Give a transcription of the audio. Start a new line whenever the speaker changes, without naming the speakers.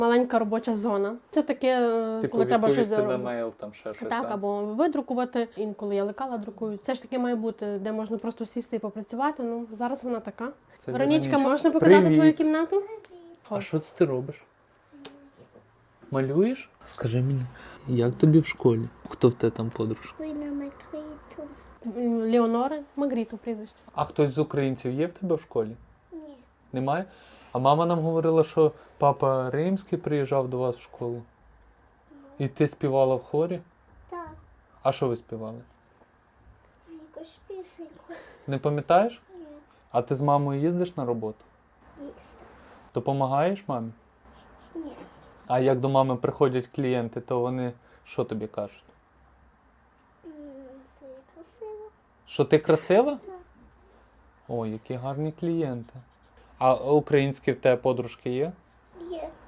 Маленька робоча зона. Це таке,
Типу
коли треба щось
відповісти на
зробити.
мейл, там ще щось.
Так, або видрукувати. Інколи я лекала друкую. Це ж таки має бути, де можна просто сісти і попрацювати. Ну, зараз вона така.
Це
Веронічка,
Веронічка.
можна показати
Привіт.
твою кімнату?
А що це ти робиш? Малюєш? Скажи мені, як тобі в школі? Хто в тебе там подружка?
Вина Макриту.
Леонора Магріту прізвище.
А хтось з українців є в тебе в школі?
Ні.
Немає? А мама нам говорила, що папа Римський приїжджав до вас в школу. І ти співала в хорі?
Так,
А що ви співали?
якусь пісеньку.
Не пам'ятаєш?
Ні.
А ти з мамою їздиш на роботу?
Їсти.
Допомагаєш мамі?
Ні.
А як до мами приходять клієнти, то вони що тобі кажуть?
Це є красиво.
Що ти красива?
Так.
Ой, які гарні клієнти. А українські в тебе подружки є?
Є.